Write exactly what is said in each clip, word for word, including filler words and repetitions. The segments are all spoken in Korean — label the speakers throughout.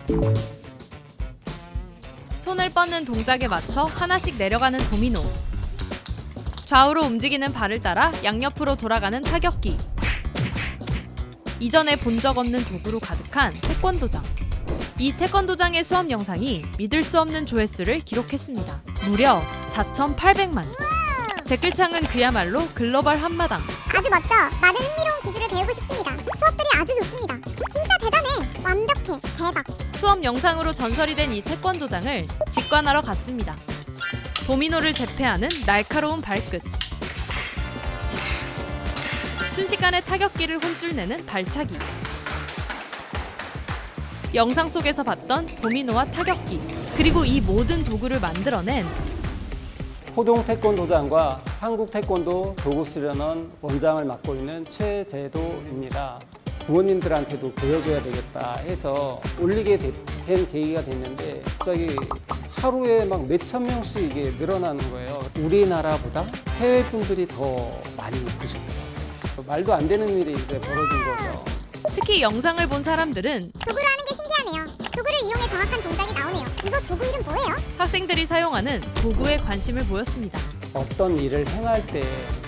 Speaker 1: 손을 뻗는 동작에 맞춰 하나씩 내려가는 도미노. 좌우로 움직이는 발을 따라 양옆으로 돌아가는 타격기. 이전에 본 적 없는 도구로 가득한 태권도장. 이 태권도장의 수업 영상이 믿을 수 없는 조회수를 기록했습니다. 무려 사천팔백만. 댓글창은 그야말로 글로벌 한마당.
Speaker 2: 아주 멋져. 많은 흥미로운 기술을 배우고 싶습니다. 수업들이 아주 좋습니다. 진짜 대단해. 완벽해. 대박.
Speaker 1: 수업 영상으로 전설이 된 이 태권도장을 직관하러 갔습니다. 도미노를 제패하는 날카로운 발끝. 순식간에 타격기를 혼쭐 내는 발차기. 영상 속에서 봤던 도미노와 타격기, 그리고 이 모든 도구를 만들어낸
Speaker 3: 호동 태권도장과 한국 태권도 도구 수련원 원장을 맡고 있는 최재도입니다. 부모님들한테도 보여줘야 되겠다 해서 올리게 된 계기가 됐는데 갑자기 하루에 막 몇천 명씩 이게 늘어나는 거예요. 우리나라보다 해외 분들이 더 많이 보셨어요. 말도 안 되는 일이 이제 벌어진 거죠.
Speaker 1: 특히 영상을 본 사람들은
Speaker 2: 도구를 하는 게 신기하네요. 도구를 이용해 정확한 동작이 나오네요. 이거 도구 이름 뭐예요?
Speaker 1: 학생들이 사용하는 도구에 관심을 보였습니다.
Speaker 3: 어떤 일을 행할 때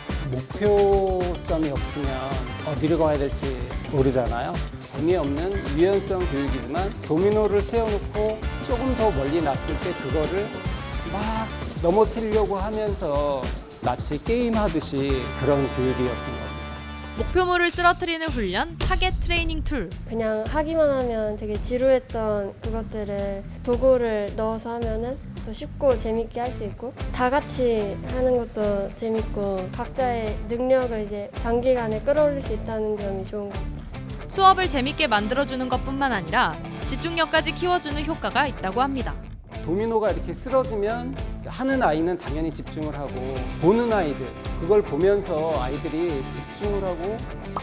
Speaker 3: 목표점이 없으면 어디로 가야 될지 모르잖아요. 재미없는 유연성 교육이지만 도미노를 세워놓고 조금 더 멀리 놨을 때 그거를 막 넘어뜨리려고 하면서 마치 게임하듯이 그런 교육이었던 거예요.
Speaker 1: 목표물을 쓰러뜨리는 훈련, 타겟 트레이닝 툴.
Speaker 4: 그냥 하기만 하면 되게 지루했던 그것들을 도구를 넣어서 하면은 더 쉽고 재밌게 할 수 있고, 다 같이 하는 것도 재밌고 각자의 능력을 이제 단기간에 끌어올릴 수 있다는 점이 좋은 것 같아요.
Speaker 1: 수업을 재밌게 만들어주는 것뿐만 아니라 집중력까지 키워주는 효과가 있다고 합니다.
Speaker 3: 도미노가 이렇게 쓰러지면 하는 아이는 당연히 집중을 하고, 보는 아이들, 그걸 보면서 아이들이 집중을 하고.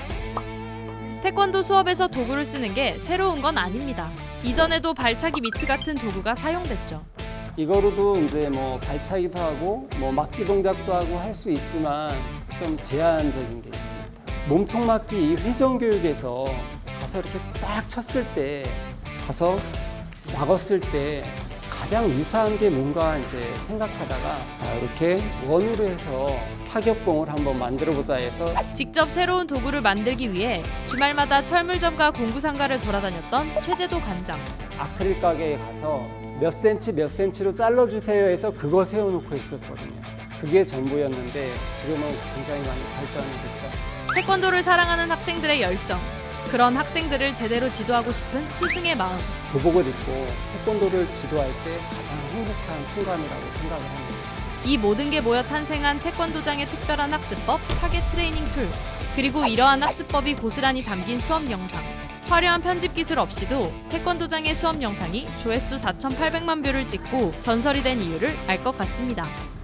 Speaker 1: 태권도 수업에서 도구를 쓰는 게 새로운 건 아닙니다. 이전에도 발차기 미트 같은 도구가 사용됐죠.
Speaker 3: 이거로도 이제 뭐 발차기도 하고 뭐 막기 동작도 하고 할 수 있지만 좀 제한적인 게 있습니다. 몸통 맞기 이 회전 교육에서 가서 이렇게 딱 쳤을 때, 가서 막았을 때 가장 유사한 게 뭔가 이제 생각하다가 이렇게 원으로 해서 타격봉을 한번 만들어 보자 해서
Speaker 1: 직접 새로운 도구를 만들기 위해 주말마다 철물점과 공구상가를 돌아다녔던 최재도 관장.
Speaker 3: 아크릴 가게에 가서 몇 센치 몇 센치로 잘라주세요 해서 그거 세워놓고 있었거든요. 그게 전부였는데 지금은 굉장히 많이 발전이 됐죠.
Speaker 1: 태권도를 사랑하는 학생들의 열정. 그런 학생들을 제대로 지도하고 싶은 스승의 마음.
Speaker 3: 교복을 입고 태권도를 지도할 때 가장 행복한 순간이라고 생각을 합니다.
Speaker 1: 이 모든 게 모여 탄생한 태권도장의 특별한 학습법, 타겟 트레이닝 툴. 그리고 이러한 학습법이 고스란히 담긴 수업 영상. 화려한 편집 기술 없이도 태권도장의 수업 영상이 조회수 사천팔백만 뷰를 찍고 전설이 된 이유를 알 것 같습니다.